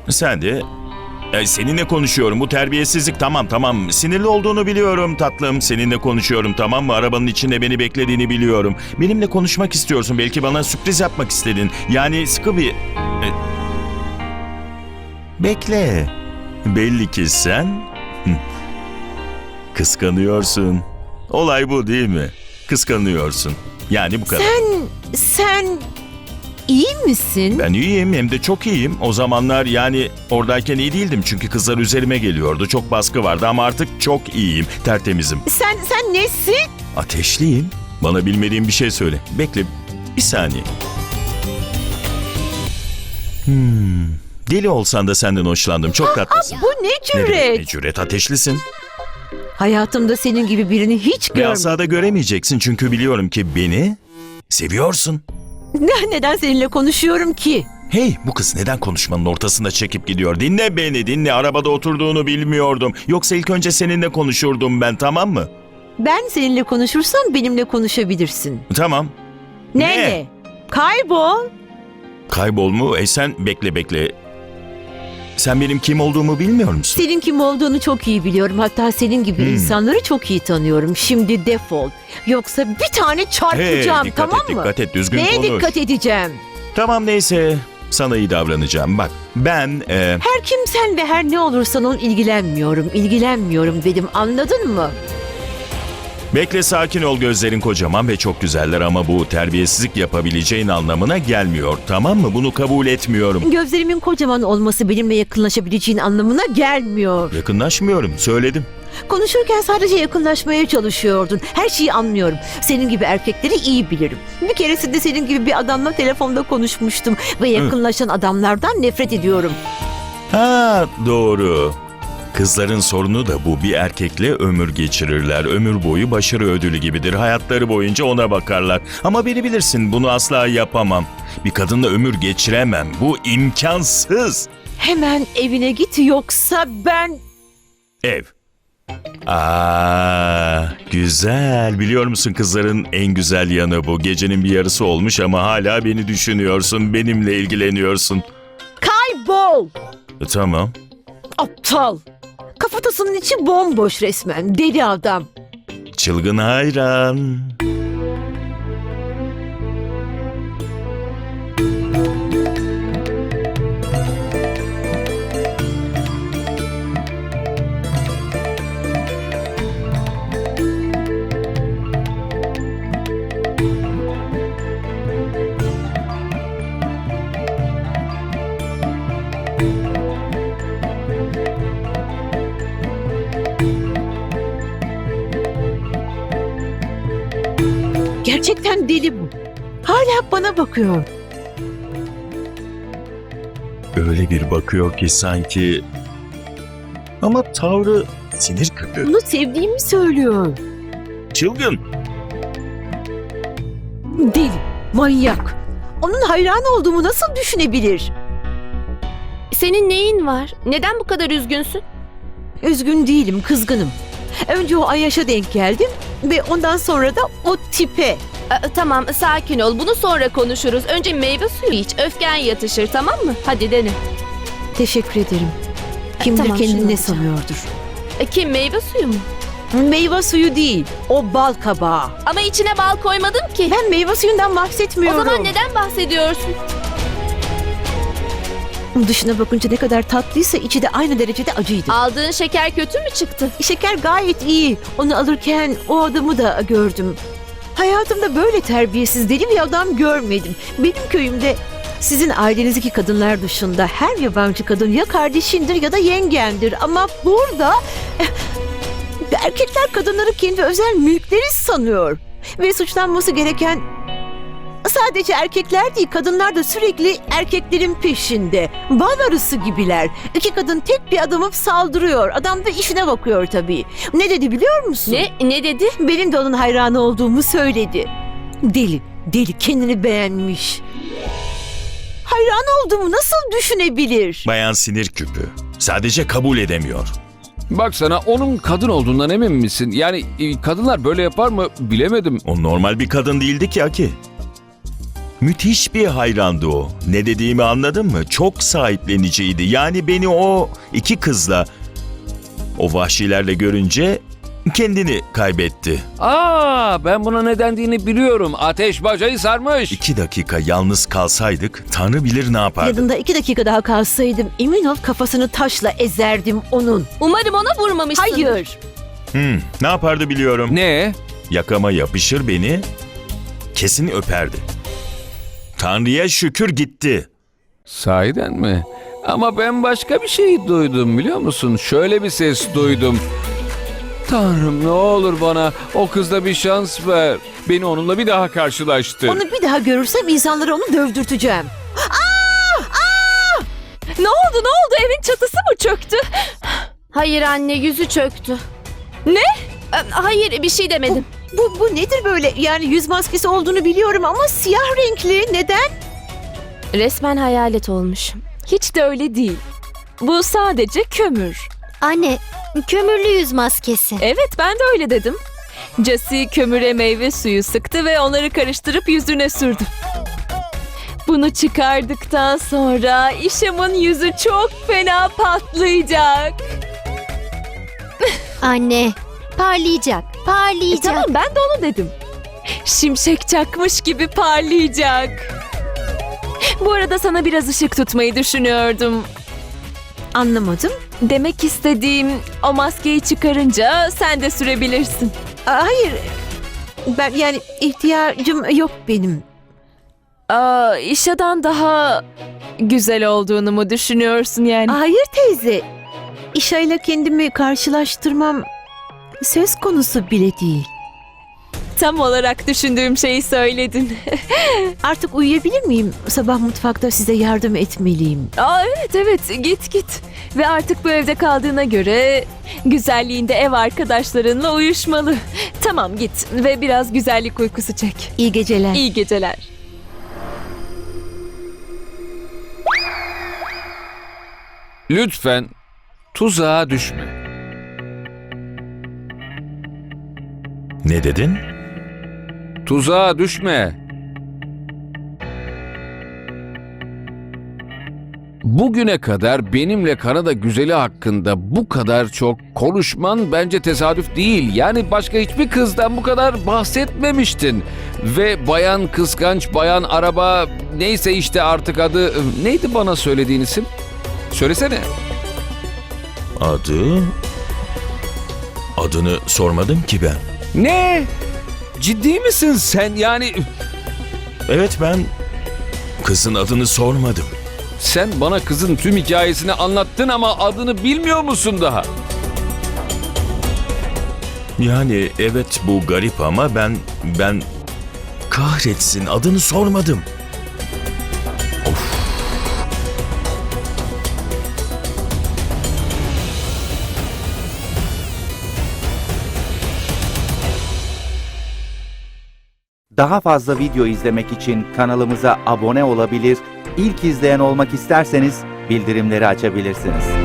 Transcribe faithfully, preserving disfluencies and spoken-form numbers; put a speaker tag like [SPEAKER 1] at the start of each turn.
[SPEAKER 1] Sen de... E, seninle konuşuyorum. Bu terbiyesizlik. Tamam tamam. Sinirli olduğunu biliyorum tatlım. Seninle konuşuyorum, tamam mı? Arabanın içinde beni beklediğini biliyorum. Benimle konuşmak istiyorsun. Belki bana sürpriz yapmak istedin. Yani sıkı bir... E, bekle. Belli ki sen... Hı, kıskanıyorsun. Olay bu değil mi? Kıskanıyorsun. Yani bu kadar.
[SPEAKER 2] Sen, sen iyi misin?
[SPEAKER 1] Ben iyiyim, hem de çok iyiyim. O zamanlar yani oradayken iyi değildim çünkü kızlar üzerime geliyordu. Çok baskı vardı ama artık çok iyiyim, tertemizim.
[SPEAKER 2] Sen, sen nesin?
[SPEAKER 1] Ateşliyim. Bana bilmediğin bir şey söyle. Bekle bir saniye. Hmm. Deli olsan da senden hoşlandım. Çok tatlısın.
[SPEAKER 2] Bu ne
[SPEAKER 1] Ne demek
[SPEAKER 2] cüret?
[SPEAKER 1] ne cüret, ateşlisin.
[SPEAKER 2] Hayatımda senin gibi birini hiç
[SPEAKER 1] Ve
[SPEAKER 2] görmedim.
[SPEAKER 1] asla da göremeyeceksin çünkü biliyorum ki beni seviyorsun.
[SPEAKER 2] Neden seninle konuşuyorum ki?
[SPEAKER 1] Hey, bu kız neden konuşmanın ortasında çekip gidiyor? Dinle beni, dinle. Arabada oturduğunu bilmiyordum. Yoksa ilk önce seninle konuşurdum ben, tamam mı?
[SPEAKER 2] Ben seninle konuşursam benimle konuşabilirsin.
[SPEAKER 1] Tamam.
[SPEAKER 2] Ne
[SPEAKER 1] Ne?
[SPEAKER 2] ne? Kaybol.
[SPEAKER 1] Kaybol mu? E sen bekle bekle. Sen benim kim olduğumu bilmiyor musun?
[SPEAKER 2] Senin kim olduğunu çok iyi biliyorum. Hatta senin gibi
[SPEAKER 1] Hmm.
[SPEAKER 2] insanları çok iyi tanıyorum. Şimdi defol. Yoksa bir tane çarpacağım,
[SPEAKER 1] Hey, dikkat
[SPEAKER 2] tamam
[SPEAKER 1] et,
[SPEAKER 2] mı?
[SPEAKER 1] dikkat et, düzgün
[SPEAKER 2] Neye
[SPEAKER 1] konuş.
[SPEAKER 2] dikkat edeceğim?
[SPEAKER 1] Tamam neyse, sana iyi davranacağım. Bak, ben... E,
[SPEAKER 2] Her kimsen ve her ne olursan ol ilgilenmiyorum. İlgilenmiyorum dedim, anladın mı?
[SPEAKER 1] bekle, sakin ol, gözlerin kocaman ve çok güzeller ama bu terbiyesizlik yapabileceğin anlamına gelmiyor, tamam mı? Bunu kabul etmiyorum.
[SPEAKER 2] Gözlerimin kocaman olması benimle yakınlaşabileceğin anlamına gelmiyor.
[SPEAKER 1] Yakınlaşmıyorum, söyledim.
[SPEAKER 2] Konuşurken sadece yakınlaşmaya çalışıyordun. Her şeyi anlıyorum. Senin gibi erkekleri iyi bilirim. Bir keresinde senin gibi bir adamla telefonda konuşmuştum ve yakınlaşan adamlardan nefret ediyorum.
[SPEAKER 1] Ha, doğru. Kızların sorunu da bu. Bir erkekle ömür geçirirler. Ömür boyu başarı ödülü gibidir. Hayatları boyunca ona bakarlar. Ama beni bilirsin, bunu asla yapamam. Bir kadınla ömür geçiremem. Bu imkansız.
[SPEAKER 2] Hemen evine git yoksa ben...
[SPEAKER 1] Ev. Aa, güzel. Biliyor musun, kızların en güzel yanı bu. Gecenin bir yarısı olmuş ama hala beni düşünüyorsun. Benimle ilgileniyorsun.
[SPEAKER 2] Kaybol!
[SPEAKER 1] E, tamam.
[SPEAKER 2] Aptal! Kafatasının içi bomboş resmen. Deli adam.
[SPEAKER 1] Çılgın hayran.
[SPEAKER 2] Gerçekten deli bu. Hala bana bakıyor.
[SPEAKER 1] Öyle bir bakıyor ki sanki... Ama tavrı sinir küpü.
[SPEAKER 2] Onu sevdiğimi söylüyor.
[SPEAKER 1] Çılgın.
[SPEAKER 2] Deli, manyak. Onun hayran olduğumu nasıl düşünebilir?
[SPEAKER 3] Senin neyin var? Neden bu kadar üzgünsün?
[SPEAKER 2] Üzgün değilim, kızgınım. Önce o Ayaş'a denk geldim ve ondan sonra da o tipe.
[SPEAKER 3] Aa, tamam, sakin ol. Bunu sonra konuşuruz. Önce meyve suyu iç. Öfken yatışır, tamam mı? Hadi dene.
[SPEAKER 2] Teşekkür ederim. Kim bilir
[SPEAKER 3] Tamam, şunu
[SPEAKER 2] kendini ne
[SPEAKER 3] alacağım.
[SPEAKER 2] sanıyordur.
[SPEAKER 3] E, kim, meyve suyu mu?
[SPEAKER 2] Meyve suyu değil, o bal kabağı.
[SPEAKER 3] Ama içine bal koymadım ki.
[SPEAKER 2] Ben meyve suyundan
[SPEAKER 3] O
[SPEAKER 2] bahsetmiyorum.
[SPEAKER 3] zaman neden bahsediyorsun?
[SPEAKER 2] Dışına bakınca ne kadar tatlıysa içi de aynı derecede acıydı.
[SPEAKER 3] Aldığın şeker kötü mü çıktı?
[SPEAKER 2] Şeker gayet iyi. Onu alırken o adamı da gördüm. Hayatımda böyle terbiyesiz deli bir adam görmedim. Benim köyümde sizin ailenizdeki kadınlar dışında her yabancı kadın ya kardeşindir ya da yengendir. Ama burada eh, erkekler kadınları kendi özel mülkleri sanıyor. Ve suçlanması gereken sadece erkekler değil, kadınlar da sürekli erkeklerin peşinde. Bal arısı gibiler. İki kadın tek bir adamı saldırıyor. Adam da işine bakıyor tabii. Ne dedi biliyor musun?
[SPEAKER 3] Ne? Ne dedi?
[SPEAKER 2] Benim de onun hayranı olduğumu söyledi. Deli, deli kendini beğenmiş. Hayran olduğumu nasıl düşünebilir?
[SPEAKER 1] Bayan sinir küpü. Sadece kabul edemiyor.
[SPEAKER 4] Bak sana, onun kadın olduğundan emin misin? Yani e, kadınlar böyle yapar mı bilemedim.
[SPEAKER 1] O normal bir kadın değildi ki Aki. Müthiş bir hayrandı o. Ne dediğimi anladın mı? Çok sahipleniciydi. Yani beni o iki kızla, o vahşilerle görünce kendini kaybetti.
[SPEAKER 4] Aa, ben buna ne dendiğini biliyorum. Ateş bacayı sarmış.
[SPEAKER 1] İki dakika yalnız kalsaydık Tanrı bilir ne yapardı.
[SPEAKER 2] Yanında iki dakika daha kalsaydım emin ol kafasını taşla ezerdim onun.
[SPEAKER 3] Umarım ona vurmamışsın.
[SPEAKER 2] Hayır.
[SPEAKER 1] Hmm, ne yapardı biliyorum.
[SPEAKER 4] Ne?
[SPEAKER 1] Yakama yapışır beni, kesin öperdi. Tanrı'ya şükür gitti.
[SPEAKER 4] Sahiden mi? Ama ben başka bir şey duydum biliyor musun? Şöyle bir ses duydum. Tanrım ne olur bana o kızla bir şans ver. Beni onunla bir daha karşılaştır.
[SPEAKER 2] Onu bir daha görürsem insanlara onu dövdürteceğim.
[SPEAKER 3] Ne oldu ne oldu evin çatısı mı çöktü? Hayır anne yüzü çöktü. Ne? Ee, Hayır bir şey demedim.
[SPEAKER 2] Bu, bu nedir böyle? Yani yüz maskesi olduğunu biliyorum ama siyah renkli. Neden?
[SPEAKER 3] Resmen hayalet olmuş.
[SPEAKER 5] Hiç de öyle değil. Bu sadece kömür.
[SPEAKER 6] Anne, kömürlü yüz maskesi.
[SPEAKER 5] Evet ben de öyle dedim. Jesse kömüre meyve suyu sıktı ve onları karıştırıp yüzüne sürdü. Bunu çıkardıktan sonra İşam'ın yüzü çok fena patlayacak.
[SPEAKER 6] Anne, parlayacak,
[SPEAKER 5] E,
[SPEAKER 6] parlayacak.
[SPEAKER 5] tamam ben de onu dedim. Şimşek çakmış gibi parlayacak. Bu arada sana biraz ışık tutmayı düşünüyordum.
[SPEAKER 2] Anlamadım.
[SPEAKER 5] Demek istediğim o maskeyi çıkarınca sen de sürebilirsin.
[SPEAKER 2] Aa, hayır. Ben yani ihtiyacım yok benim.
[SPEAKER 5] Aa, İşa'dan daha güzel olduğunu mu düşünüyorsun yani?
[SPEAKER 2] Hayır teyze. İşa ile kendimi karşılaştırmam söz konusu bile değil.
[SPEAKER 5] Tam olarak düşündüğüm şeyi söyledin.
[SPEAKER 2] Artık uyuyabilir miyim? Sabah mutfakta size yardım etmeliyim.
[SPEAKER 5] Aa, evet evet git git. Ve artık bu evde kaldığına göre güzelliğinde ev arkadaşlarınla uyuşmalı. Tamam git ve biraz güzellik uykusu çek.
[SPEAKER 2] İyi geceler.
[SPEAKER 5] İyi geceler.
[SPEAKER 4] Lütfen tuzağa düşme.
[SPEAKER 1] Ne dedin?
[SPEAKER 4] Tuzağa düşme. Bugüne kadar benimle Kanada güzeli hakkında bu kadar çok konuşman bence tesadüf değil. Yani başka hiçbir kızdan bu kadar bahsetmemiştin. Ve bayan kıskanç, bayan araba, neyse işte artık adı, neydi bana söylediğin isim? Söylesene.
[SPEAKER 1] Adı... Adını sormadım ki ben.
[SPEAKER 4] Ne? Ciddi misin sen? Yani
[SPEAKER 1] Evet ben kızın adını sormadım.
[SPEAKER 4] sen bana kızın tüm hikayesini anlattın ama adını bilmiyor musun daha?
[SPEAKER 1] Yani evet bu garip ama ben ben kahretsin adını sormadım.
[SPEAKER 7] Daha fazla video izlemek için kanalımıza abone olabilir, ilk izleyen olmak isterseniz bildirimleri açabilirsiniz.